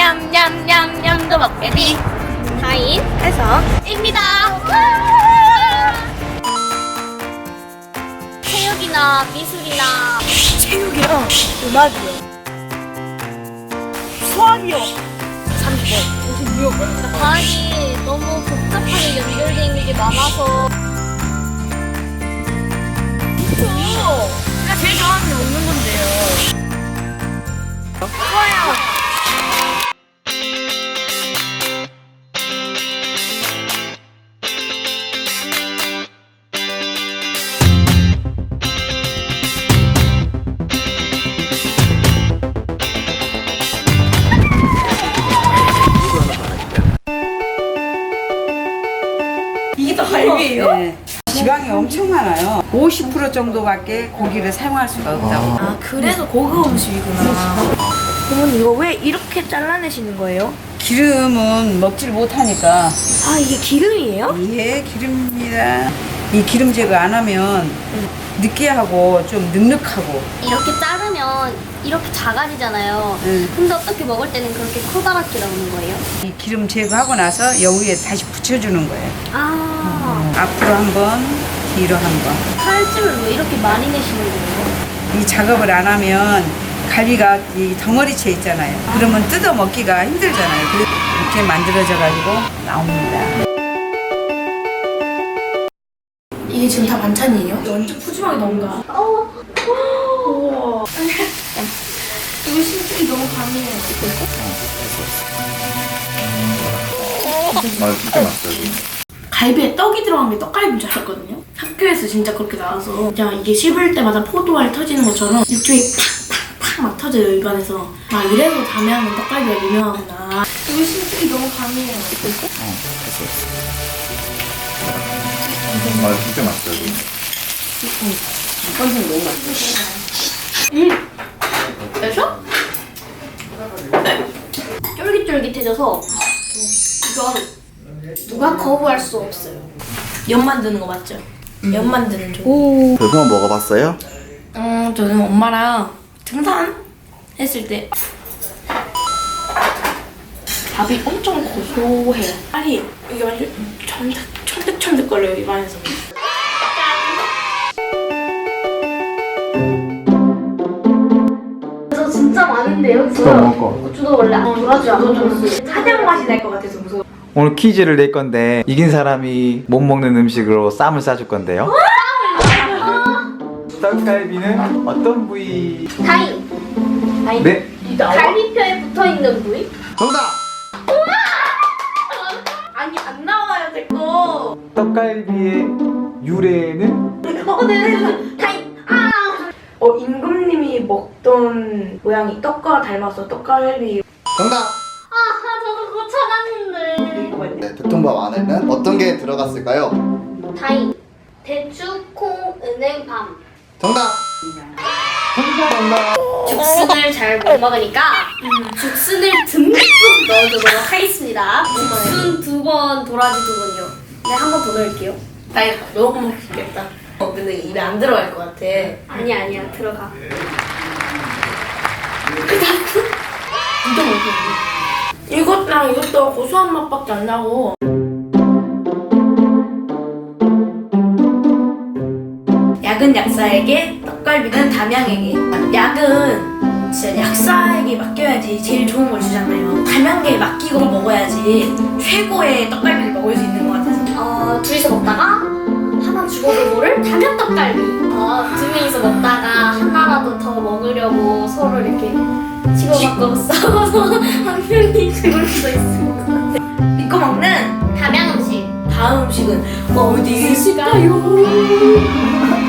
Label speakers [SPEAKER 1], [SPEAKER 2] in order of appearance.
[SPEAKER 1] 냠냠냠냠냠도 먹게비 타임 해서입니다. 체육이나 미술이나
[SPEAKER 2] 체육이랑 음악이요. 수학이요. 30번. 56번.
[SPEAKER 1] 과학이 너무 복잡하게 연결되어 있는 게 많아서
[SPEAKER 2] 제가 제일 좋아하는 게 먹는 건데요. 좋아요. 이게 다 갈비예요?
[SPEAKER 3] 네. 지방이 엄청 많아요. 50% 정도밖에 고기를 사용할 수가 없다고.
[SPEAKER 2] 아, 그래서 고급 음식이구나. 어머니 이거 왜 이렇게 잘라내시는 거예요?
[SPEAKER 3] 기름은 먹질 못하니까.
[SPEAKER 2] 아, 이게 기름이에요?
[SPEAKER 3] 예, 기름입니다. 이 기름 제거 안 하면 느끼하고 좀 눅눅하고.
[SPEAKER 1] 이렇게 자르면 이렇게 작아지잖아요. 근데 어떻게 먹을 때는 그렇게 커다랗게 나오는 거예요?
[SPEAKER 3] 이 기름 제거하고 나서 여기에 다시 붙여주는 거예요. 앞으로 한 번, 뒤로 한 번.
[SPEAKER 1] 칼집을 왜 이렇게 많이 내시는 거예요?
[SPEAKER 3] 이 작업을 안 하면 갈비가 이 덩어리째 있잖아요. 그러면 뜯어 먹기가 힘들잖아요. 그래서 이렇게 만들어져 가지고 나옵니다.
[SPEAKER 2] 이게 지금 다 반찬이에요? 완전 푸짐하게 나온다. 우와. 이거 심장이 너무 강해요.
[SPEAKER 4] 진짜 맛있어요.
[SPEAKER 2] 갈비에 떡이 들어간 게 떡갈비인 줄 알았거든요. 학교에서 진짜 그렇게 나와서 그냥 이게 씹을 때마다 포도알 터지는 것처럼 육즙이 팍팍팍 막 터져요, 입안에서. 아, 이래서 담양은 떡갈비가 유명하구나. 이거 심장이 너무 강해요.
[SPEAKER 4] 진짜 맛있어요.
[SPEAKER 3] 건생 너무 맛있어요.
[SPEAKER 1] 그래서? 네. 쫄깃쫄깃해져서 이건 누가 거부할 수 없어요.
[SPEAKER 2] 연 만드는 거 맞죠? 연 만드는 조.
[SPEAKER 4] 그거 먹어봤어요?
[SPEAKER 2] 저는 엄마랑 등산 했을 때 밥이 엄청 고소해요. 아니, 이게 완전 천득천득거려요, 입안에서.
[SPEAKER 1] 저 진짜 많은데 여기서 고추도 원래 안 좋아하죠. 안 좋아했어요.
[SPEAKER 2] 사냥 맛이 날 것 같아서 무서워.
[SPEAKER 4] 오늘 퀴즈를 낼 건데 이긴 사람이 못 먹는 음식으로 쌈을 싸줄 건데요. 떡갈비는 어떤 부위?
[SPEAKER 1] 타임.
[SPEAKER 4] 네?
[SPEAKER 1] 갈비뼈에 붙어있는 부위?
[SPEAKER 4] 정답!
[SPEAKER 2] 아니, 안 나와요, 제 거.
[SPEAKER 4] 떡갈비의 유래는?
[SPEAKER 1] 타임.
[SPEAKER 2] 임금님이 먹던 모양이 떡과 닮아서 떡갈비.
[SPEAKER 4] 정답!
[SPEAKER 1] 저도 그거 찾았는데.
[SPEAKER 4] 네, 백통밥 안에는 어떤 게 들어갔을까요?
[SPEAKER 1] 타임. 대추, 콩, 은행, 밤.
[SPEAKER 4] 정답! 정답!
[SPEAKER 1] 죽순을 잘 못 먹으니까 죽순을 듬뿍 넣어주도록 하겠습니다. 죽순 2번, 도라지 2번이요. 네, 한 번 더 넣을게요.
[SPEAKER 2] 나 이거 너무 먹고 싶겠다. 근데 입에 안 들어갈 것 같아.
[SPEAKER 1] 아니야, 들어가.
[SPEAKER 2] 진짜 맛있는데? 이것랑 이것도 고소한 맛밖에 안 나고. 약은 약사에게, 떡갈비는 담양에게. 약은 진짜 약사에게 맡겨야지 제일 좋은 걸 주잖아요. 담양계에 맡기고 먹어야지 최고의 떡갈비를 먹을 수 있는 것 같아서.
[SPEAKER 1] 둘이서 먹다가 하나 죽어도 모를 담양 떡갈비. 두 명이서 먹다가 하나라도 더 먹으려고 서로 이렇게 치고받고 싸워서 한 명이 죽을 수도 있을 것 같아.
[SPEAKER 2] 믿고 먹는
[SPEAKER 1] 담양 음식.
[SPEAKER 2] 다음 음식은 어디 있을까요?